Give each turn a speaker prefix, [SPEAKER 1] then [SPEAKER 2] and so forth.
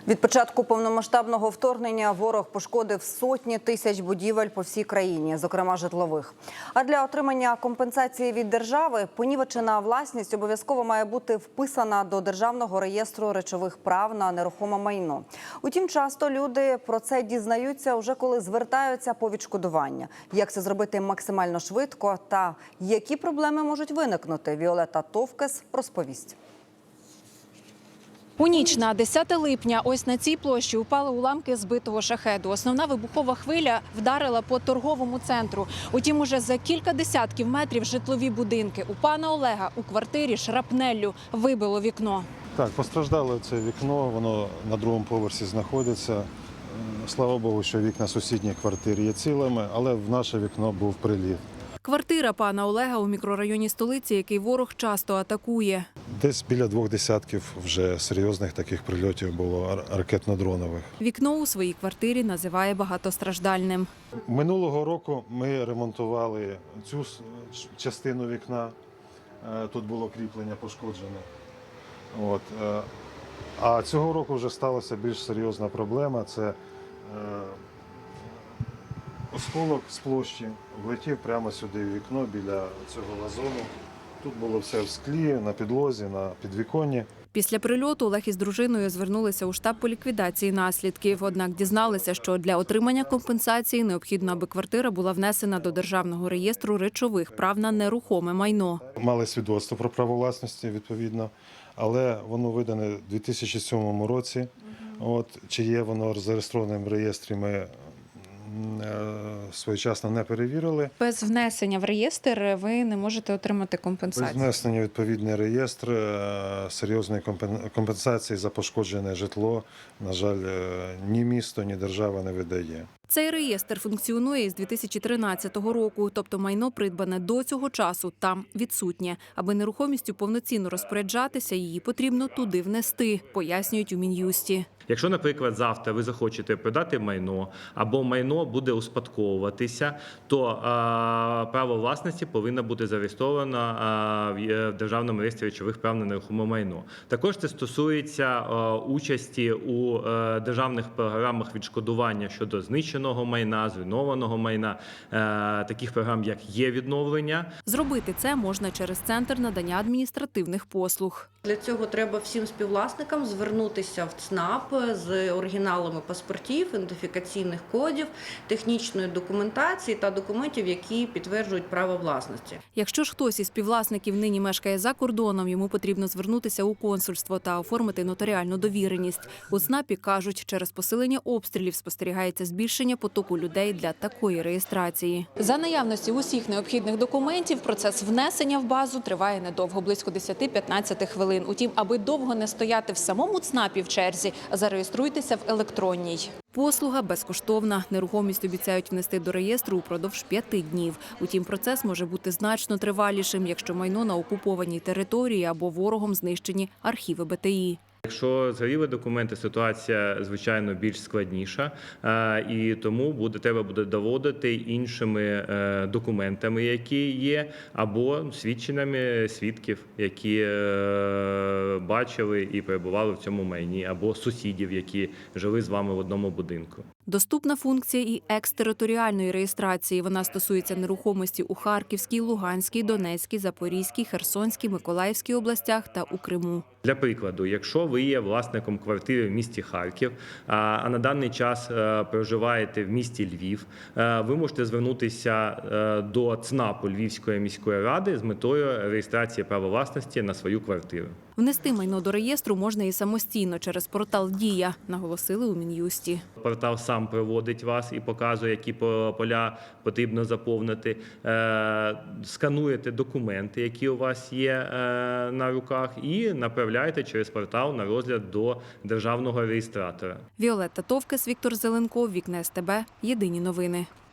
[SPEAKER 1] Від початку повномасштабного вторгнення ворог пошкодив сотні тисяч будівель по всій країні, зокрема житлових. А для отримання компенсації від держави понівечена власність обов'язково має бути вписана до Державного реєстру речових прав на нерухоме майно. Утім, часто люди про це дізнаються вже коли звертаються по відшкодування. Як це зробити максимально швидко та які проблеми можуть виникнути, Віолетта Товкес розповість.
[SPEAKER 2] У ніч на 10 липня ось на цій площі упали уламки збитого шахеду. Основна вибухова хвиля вдарила по торговому центру. Утім, уже за кілька десятків метрів житлові будинки. У пана Олега у квартирі шрапнеллю вибило вікно.
[SPEAKER 3] Так, постраждало це вікно, воно на другому поверсі знаходиться. Слава Богу, що вікна сусідніх квартир є цілими, але в наше вікно був приліт.
[SPEAKER 2] Квартира пана Олега у мікрорайоні столиці, який ворог часто атакує.
[SPEAKER 3] Десь біля 2 десятків вже серйозних таких прильотів було ракетно-дронових.
[SPEAKER 2] Вікно у своїй квартирі називає багатостраждальним.
[SPEAKER 3] Минулого року ми ремонтували цю частину вікна. Тут було кріплення пошкоджене. А цього року вже сталася більш серйозна проблема. Це осколок з площі влетів прямо сюди в вікно біля цього вазону. Тут було все в склі, на підлозі, на підвіконні.
[SPEAKER 2] Після прильоту Олег із дружиною звернулися у штаб по ліквідації наслідків. Однак дізналися, що для отримання компенсації необхідно, аби квартира була внесена до Державного реєстру речових прав на нерухоме майно.
[SPEAKER 3] Мали свідоцтво про право власності, відповідно, але воно видане у 2007 році. Чи є воно зареєстроване в реєстрі, ми своєчасно не перевірили.
[SPEAKER 2] Без внесення в реєстр ви не можете отримати компенсацію?
[SPEAKER 3] Без внесення в відповідний реєстр серйозної компенсації за пошкоджене житло, на жаль, ні місто, ні держава не видає.
[SPEAKER 2] Цей реєстр функціонує із 2013 року, тобто майно, придбане до цього часу, там відсутнє. Аби нерухомістю повноцінно розпоряджатися, її потрібно туди внести, пояснюють у Мін'юсті.
[SPEAKER 4] Якщо, наприклад, завтра ви захочете продати майно або майно буде успадковуватися, то право власності повинно бути зареєстровано в Державному реєстрі речових прав на нерухоме майно. Також це стосується участі у державних програмах відшкодування щодо знищеного майна, зруйнованого майна, таких програм, як є-відновлення.
[SPEAKER 2] Зробити це можна через Центр надання адміністративних послуг.
[SPEAKER 5] Для цього треба всім співвласникам звернутися в ЦНАП з оригіналами паспортів, ідентифікаційних кодів, технічної документації та документів, які підтверджують право власності.
[SPEAKER 2] Якщо ж хтось із співвласників нині мешкає за кордоном, йому потрібно звернутися у консульство та оформити нотаріальну довіреність. У ЦНАПі кажуть, через посилення обстрілів спостерігається збільшення потоку людей для такої реєстрації. За наявності усіх необхідних документів процес внесення в базу триває недовго, близько 10-15 хвилин. Утім, аби довго не стояти в самому ЦНАПі в черзі, зареєструйтеся в електронній. Послуга безкоштовна. Нерухомість обіцяють внести до реєстру упродовж 5 днів. Утім, процес може бути значно тривалішим, якщо майно на окупованій території або ворогом знищені архіви БТІ.
[SPEAKER 4] Якщо згоріли документи, ситуація, звичайно, більш складніша, і тому треба буде доводити іншими документами, які є, або свідченнями свідків, які бачили і перебували в цьому майні, або сусідів, які жили з вами в одному будинку.
[SPEAKER 2] Доступна функція і екстериторіальної реєстрації. Вона стосується нерухомості у Харківській, Луганській, Донецькій, Запорізькій, Херсонській, Миколаївській областях та у Криму.
[SPEAKER 4] Для прикладу, якщо ви є власником квартири в місті Харків, а на даний час проживаєте в місті Львів, ви можете звернутися до ЦНАПу Львівської міської ради з метою реєстрації права власності на свою квартиру.
[SPEAKER 2] Внести майно до реєстру можна і самостійно через портал «Дія», наголосили у Мін'юсті.
[SPEAKER 4] Портал сам проводить вас і показує, які поля потрібно заповнити. Скануєте документи, які у вас є на руках, і направляєте через портал на розгляд до державного реєстратора.
[SPEAKER 2] Віолетта Товкес, Віктор Зеленков, Вікна СТБ. Єдині новини.